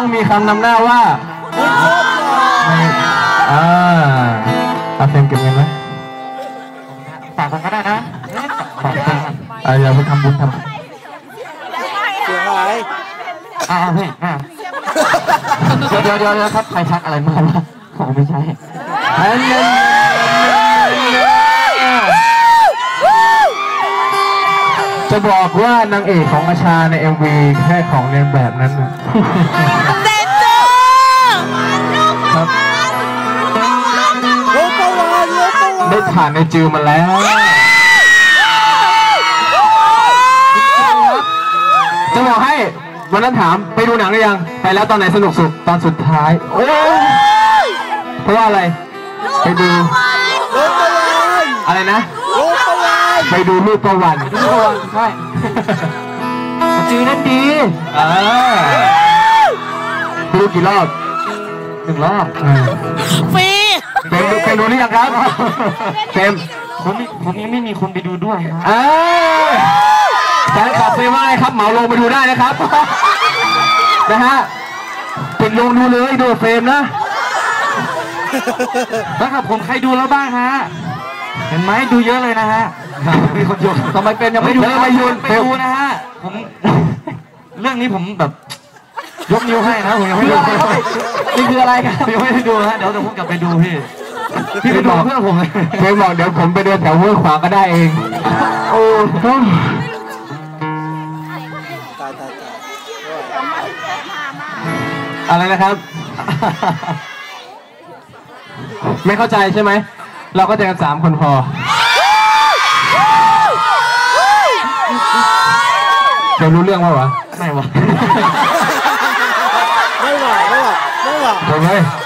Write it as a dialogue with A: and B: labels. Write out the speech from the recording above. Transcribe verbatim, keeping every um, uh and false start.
A: ต้องมีคำนำหน้าว่าอ่าอาเฟมเก็บเงินไหมฝากกันก็ได้นะฝากกันอ่าอย่าไปทำบุญทำเสียหายอ่าเฮ้ยอ่าเดี๋ยวเดี๋ยวเดี๋ยวครับใครทักอะไรมาล่ะผมไม่ใช่จะบอกว่านางเอกของอาชาใน เอ็ม วี แค่ของเรียนแบบนั้นนะ
B: เด็ดจ้า
A: ครับได้ผ่านในจิวมาแล้วจะบอกให้วันนั้นถามไปดูหนังหรือยังไปแล้วตอนไหนสนุกสุดตอนสุดท้ายโอ้เพราะว่าอะไรไปดูอะไรนะไปดูรูปประวันรูปประวันใช่จือนั่นดีอ่าดูกี่รอบหนึ่งรอบ
B: ฟรี
A: เฟมดูเฟมดูหรือยังครับเฟม
C: ผมผมยังไม่มีคนไปดูด้วยครับ
A: แฟนคลับเฟมว่าไงครับเหมาลงไปดูได้นะครับนะฮะปิดลงดูเลยดูเฟมนะ
C: แล้วครับผมใครดูแล้วบ้างฮะเห็นไหมดูเยอะเลยนะฮะมีคนโยน
A: ทำไมเป็นยังไม่ดู
C: ไม่โยนไปดูนะฮะผมเรื่องนี้ผมแบบยกนิ้วให้นะผมยังไม่ดู
A: นี่คืออะไรกัน
C: ยังไม่ได้ดูฮะเดี๋ยวเดี๋ยวผมกลับไปดูพี่พี่ไปบอกเพื่อนผมเลย
A: เพื่อนบอกเดี๋ยวผมไปเดินแถวห้วยขวางก็ได้เองโอ้อะไรนะครับไม่เข้าใจใช่ไหมเราก็เจอกันสามคนพอจะรู้เรื่องว่าวะ
C: ไม่วะ
A: ไม่ไหวไม่ไหวไม่ไหวไม่ไหว